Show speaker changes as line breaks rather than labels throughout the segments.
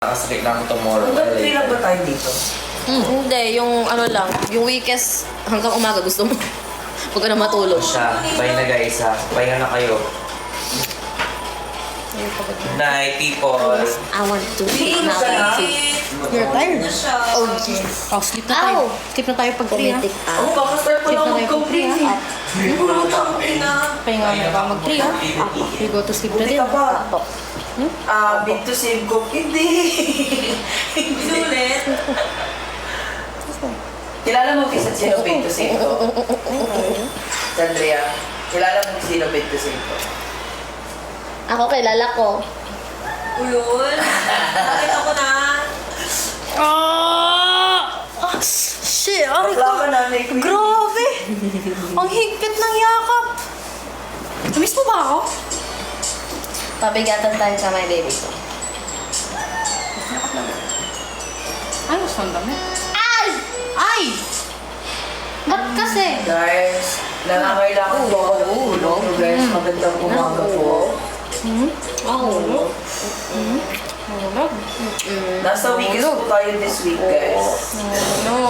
Nakasakit na ako tomorrow.
Hanggang 3 lang ba tayo dito?
Hindi, yung ano lang, yung weekends hanggang umaga gusto mo. Huwag ka na matulog.
Siya, bye na guys ha. Pahinga na kayo. Good night, people.
I want to sleep now.
You're tired.
Oh, yes.
Oh, sleep na tayo.
Ow!
Sleep na tayo pag 3 ha.
Pumitik
Oo, kakastart pa lang mag-complete.
Pahinga na ba mag 3 ha? We go to sleep na
Buti
din.
ka pa. Big to save ko. Hindi. Hindi ulit. Kilala mo kisa sino big to save ko? Sandria, kilala mo sino big to save ko?
Ako, kilala ko.
Uyun. Bakit ako na?
Shit, aray ko.
Bakla ka na, may queen.
Grabe! Ang higpit ng yakap. Namiss mo ba ako?
Pabigatan tayo sa my baby ko.
Ay, gusto ang dami.
Ay!
Ay! Ba't kasi?
Guys, nangangailangan po ako ng tulong. Guys, magandang umaga po.
Ako.
Nasa weekends po tayo this week, guys.
No.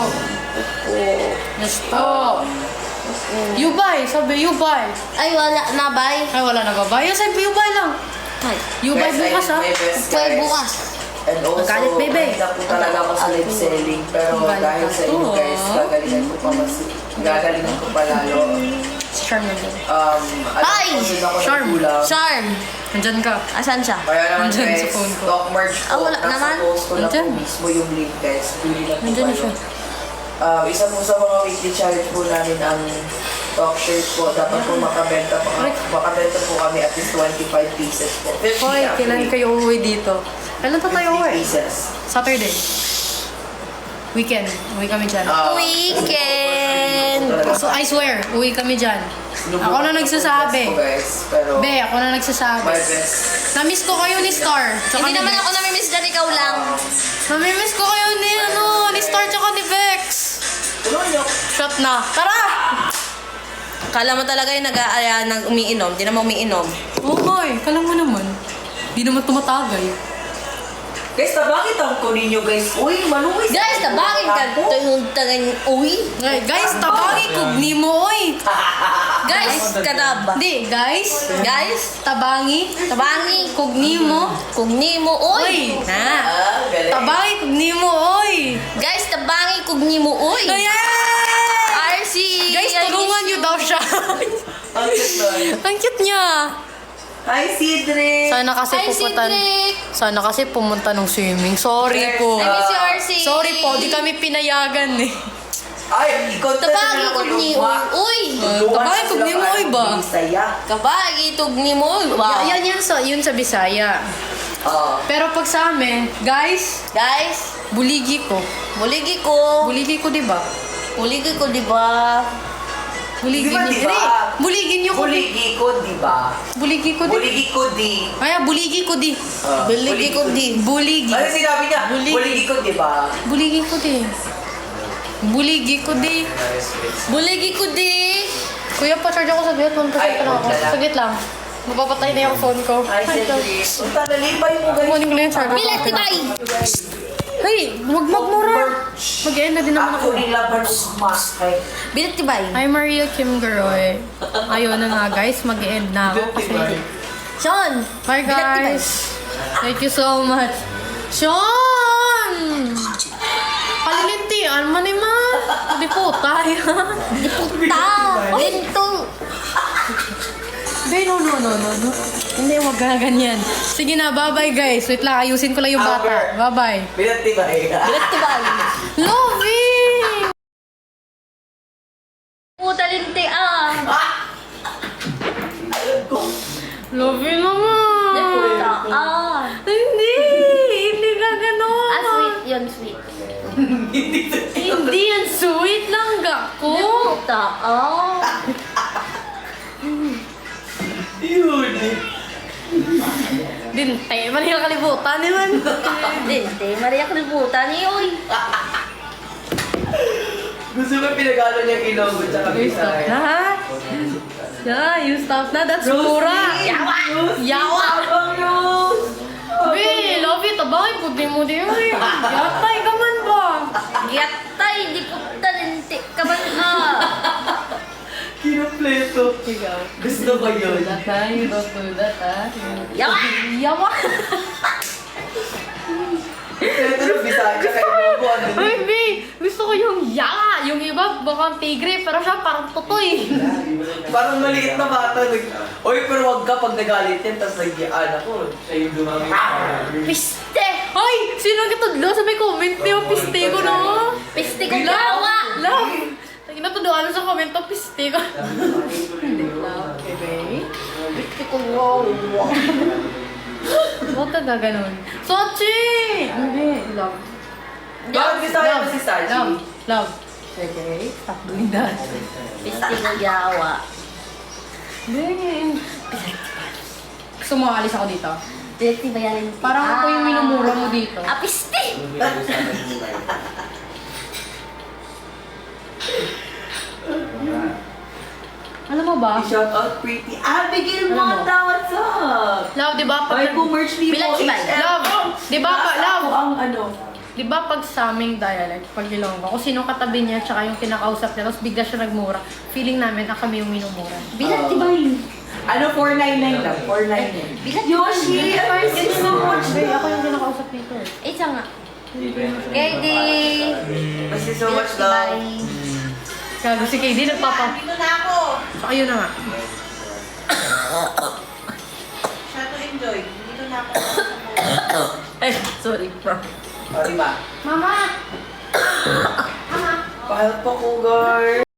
Stop. You buy. Sabi you buy.
Ay, wala na, bye.
Ay, wala na ba buy? Sabi you buy lang.
Ay,
You buy
Guys, I
bukas
did
ha.
my best,
pwede
guys.
bukas.
And also,
Magalit, baby.
mahina po talaga ako sa live selling. Pero
Magalit
dahil sa inyo,
ako,
guys, gagalingan ko pa lalo.
Charm na din.
Hi!
Alam ko din ako
Charm.
ng kulang.
Charm!
Nandyan ka.
Asan siya?
Kaya naman
Nandyan
guys,
sa phone ko.
talk merch
Ah,
po.
wala
Nasa
naman.
post ko na po
Nandyan.
mismo yung link, guys. Bili na po
Nandyan na
kayo.
siya.
Isa po sa mga weekly challenge po namin ang talk shirt po. Dapat po makabenta po kami at least 25 pieces po. 50
Hoy, kailan
actually.
kayo uuwi dito? Kailan pa tayo
50
uuwi?
pieces.
Saturday. Weekend. Uwi kami dyan.
Weekend!
So, I swear, uwi kami dyan. Ako na nagsasabi.
Guys, pero
Be, ako na nagsasabi.
my best.
Namiss ko kayo ni Star. Tsaka
Hindi
ni
naman
Vex.
ako namimiss dyan, ikaw lang.
Namimiss ko kayo ni Star tsaka ni Vex.
Tulungan niyo.
Shot na. Tara!
Kala mo talaga yung umiinom. Di naman umiinom.
Okay, kala mo naman. Di naman tumatagay.
Guys, bakit ang kunin niyo guys? Uy, maluwis.
Guys, tabangin ka. Yung tagang uwi.
Ay, guys, tabangi kugni mo, oy.
Guys, kadaba.
Hindi, guys.
Guys,
Tabangi.
tabangi.
Kugni mo.
Kugni mo,
Oy.
oy. Ha?
Galing.
Tabangi kugni mo, oy.
Guys, tabangi. Kugni mo, oy.
Ayan!
RC.
Guys, tulungan niyo daw siya.
Ang cute nun.
Ang cute niya.
Hi, Cedric!
Sana kasi
Hi,
pupunta.
Cedric.
Sana kasi pumunta ng swimming. Sorry po.
I miss you, RC.
Sorry po, di kami pinayagan eh.
Ay, i-content
Tabangi.
na ako
Kugni
yung
mo,
mga-
uy.
Tabangi kugni mo, oy ba?
Saya.
Kabagi. Tugni mo, oy. Wow.
Yan yun sa Bisaya. Pero pag sa amin, guys,
Guys,
buligi ko.
buligi ko.
Buligi ko, di ba?
Buligi ko, di ba?
Buligin
Di ba,
niyo.
di ba?
Hindi, buligin niyo ko.
Buligi ko, di ba?
Buligi ko di.
Buligi ko, di.
Ay, buligi ko di.
Buligi ko, di.
Buligi.
Ano sinabi niya?
Buligi.
Buligi ko, di ba?
Buligi ko di. Buligi ko di.
Buligi ko, di.
Kuya, pa-charge ako sa bed.
Ay,
lang ako.
wala lang.
Saglit lang. Mapapatay na yung phone ko.
Ay, Cedric. Punta na limpay mo, guys.
Kunin ko lang yung charger.
Bilat, tibay.
Hey, huwag magmura. Mag-end na din naman
Ako
ako.
nilaban mas. Ay,
Bilat, tibay.
Hi, Maria Kim Garoy. Ayun na nga, guys. Mag-end na ako kasi...
Sean.
Hi,
Bilat, tibay.
guys. Thank you so much. Sean! Palilintian man ma. Hindi po tayo.
Di puta. Lento.
Be, no. Hindi, wag ka ganyan. Sige na, bye-bye guys. Wait lang, ayusin ko lang yung bata. Bye-bye.
binati ba eh?
Bilat, tibay.
Lovey!
Puta, linti, ah.
Lovey
Di
naman!
puta, ah.
Hindi ka ganon.
Ah, sweet yun, sweet.
Hindi yan sweet lang gako.
Di puta, ah.
Yun.
Dinte, mali ang kalibutan naman.
Linti, Maria kalibutan niyo, oy.
Gusto ko pinagalo niya kilogo tsaka
You stop
bisaya.
na, ha? Yeah, you stop na. That's mura. Yawa! Yawa!
Abang yun!
Be, love it tabay, puti mo di ay. Yatay ka man ba?
Yatay, di ko talente ka ba na?
Kinumpleto.
Ikaw.
Gusto ko yun.
Data, you don't do that, ha?
Yawa!
Yawa!
Ito na Bisaya kayo mo ano.
Ay, B! Gusto ko yung yawa! Yung iba, baka tigre, pero siya parang totoy.
Parang maliit na bata. Oy, pero wag ka pag nagalit yan, tapos nagyaan ako. Siya yung dumami.
Piste!
Ay! Sino ang katudlo sa may comment niyo? Piste ko na.
Piste ko yawa!
Love! Natuduan sa comment to, piste ko. Hindi love. Okay.
Piste ko yawa!
Huwag ka gaganon. Sochi! Hindi. Love.
Bakit Bisaya ba si Sachi?
Love. Love. Okay. Stop doing that.
Piste ko yawa!
Hindi. Gusto mo alis ako dito?
Dirty bayarin kita.
Parang ako yung minumura mo dito.
Ah, piste!
Alam mo ba?
Shout out pretty Abigail
Alam mo?
Mata, what's up?
Love, di ba?
Ay, co-merch ni
Bilang
mo,
ibay.
HM.
Love, di ba pa,
Nasa
love?
ako ang ano.
Di ba pag sa aming dialect, pag Ilonggo, kung sino katabi niya, tsaka yung kinakausap niya, tapos bigla siya nagmura, feeling namin na kami yung minumura.
Bilang tibay!
Ano, 499 lang, 499.
Bilang
Yoshi, thank you so much.
Hindi, ako yung kinakausap nito eh.
Eh, siya nga. Kedi!
Thank you so much, love.
Gago si KD, nagpapa...
Dito na ako.
So, ayun na nga.
Siya to enjoy. Dito na ako.
Ay, sorry, bro.
O, diba?
Mama!
Pahal pa ko, girl.